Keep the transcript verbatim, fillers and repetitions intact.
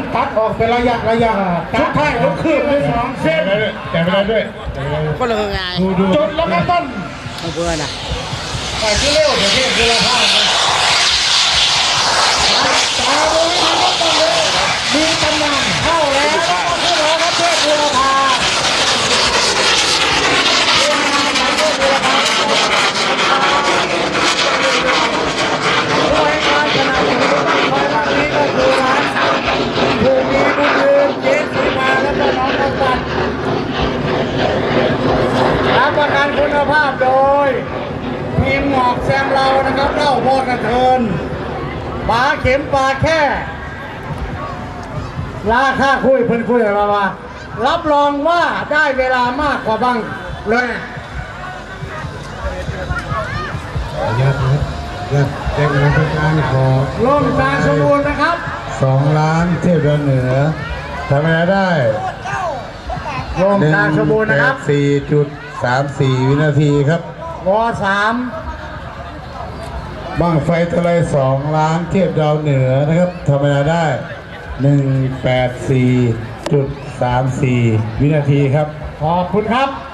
ตัดออกเป็นระยะระยะสุดท้ายก็คืบไปสองเส้นแต่ไม่ได้ด้วยก็เลยไงจนแล้วก็ต้นเพื่อนนะไปที่เร็วเดี๋ยวนี้คือเราพลาดนะตาดูนี่ก็ต้องเลยมีตำนานเข้าแล้วผู้รอครับเทพบุรพาผู้ให้การชนะที่ต้องคอยรับนี้ก็คือร้านผู้มีบุญยืนเจนสีมาและก็น้องกำตันรับประกันคุณภาพโดยทีมหมอกแซมเรานะครับเล่าพอกระเทินปลาเข็มปลาแค่ราคาคุยเพิ่นคุยกับเราว่ารับรองว่าได้เวลามากกว่าบ้างเลยยอดนะยอดแจ้งเงินทุกการขอร่มตาสมบูรณ์นะครับสองล้านเทพเหนือทำอะไรได้ร่มตาสมบูรณ์นะครับสี่จุดสามสี่วินาทีครับวอสามบั้งไฟทะเลสองล้านเทียบดาวเหนือนะครับทำเวลาได้หนึ่งแปดสี่จุดสามสี่วินาทีครับขอบคุณครับ